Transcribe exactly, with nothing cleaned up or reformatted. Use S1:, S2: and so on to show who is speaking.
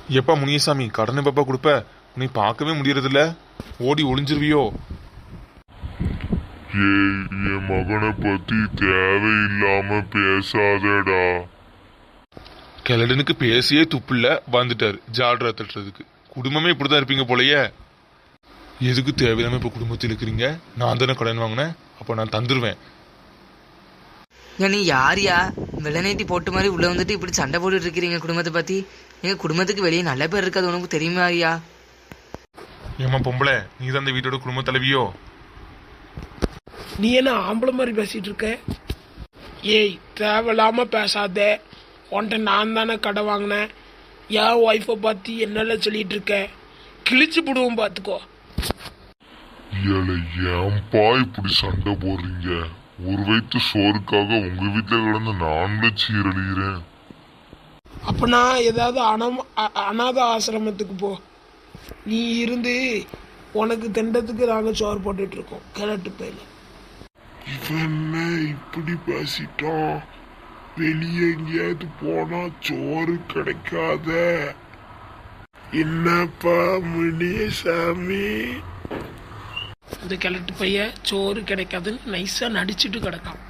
S1: எப்பா முனியசாமி கடனை பாப்பா கொடுப்ப? உன்னை பார்க்கவே முடியறதில்ல, ஓடி ஒளிஞ்சிருவியோ?
S2: ஏய், என் மகனை பத்தி தேவையில்லாம பேசாதடா.
S1: கிழடனுக்கு பேசியே துப்பில்ல, வந்துட்டாரு ஜால்ரா தட்டுறதுக்கு. குடும்பமே இப்படிதான் இருப்பீங்க போலயே. எதுக்கு தேவையில்லாம இப்ப குடும்பத்தில் இருக்கிறீங்க? நான் தானே கடன் வாங்கினேன், அப்ப நான் தந்துருவேன்.
S3: நீ யாரியா வெள்ளநேத்தி போட்டு மாதிரி உள்ள வந்துட்டு இப்படி சண்டை போட்டுட்டு இருக்கிறீங்க குடும்பத்தை பத்தி? எங்க குடும்பத்துக்கு வெளியே நல்ல பேர் இருக்காது, உனக்கு தெரியுமாரியா?
S1: ஏமா பொம்பளை, நீ தான் இந்த வீட்டோட குடும்ப தலைவியோ?
S4: நீ என்ன ஆம்பளை மாதிரி பேசிட்டு இருக்க? ஏய், தேவையில்லாம பேசாத. உன்ட்ட நான் தானே கடை வாங்கினேன். என் ஒய்ஃபை பத்தி என்னெல்லாம் சொல்லிட்டு இருக்க? கிழிச்சு போடுவோம் பார்த்துக்கோ.
S2: ஏழை, ஏன்பா இப்படி சண்டை போடுறீங்க? ஒரு வயிற்று சோறுக்காக உங்க வீட்டுல கிடந்து நானும் சீரழிகிறேன்.
S4: அப்ப நான் ஏதாவது அனம் அநாத ஆசிரமத்துக்கு போ. நீ இருந்து உனக்கு திண்டத்துக்கு நாங்க சோறு போட்டுட்டு இருக்கோம். கிழட்டு பேர் இவன் இப்படி பேசிட்டோம். வெளியே எங்கேயாவது போனா சோறு கிடைக்காத. என்னப்பா முனியசாமி, இந்த கிழட்டு பைய சோறு கிடைக்காதுன்னு நைஸா நடிச்சுட்டு கிடக்கான்.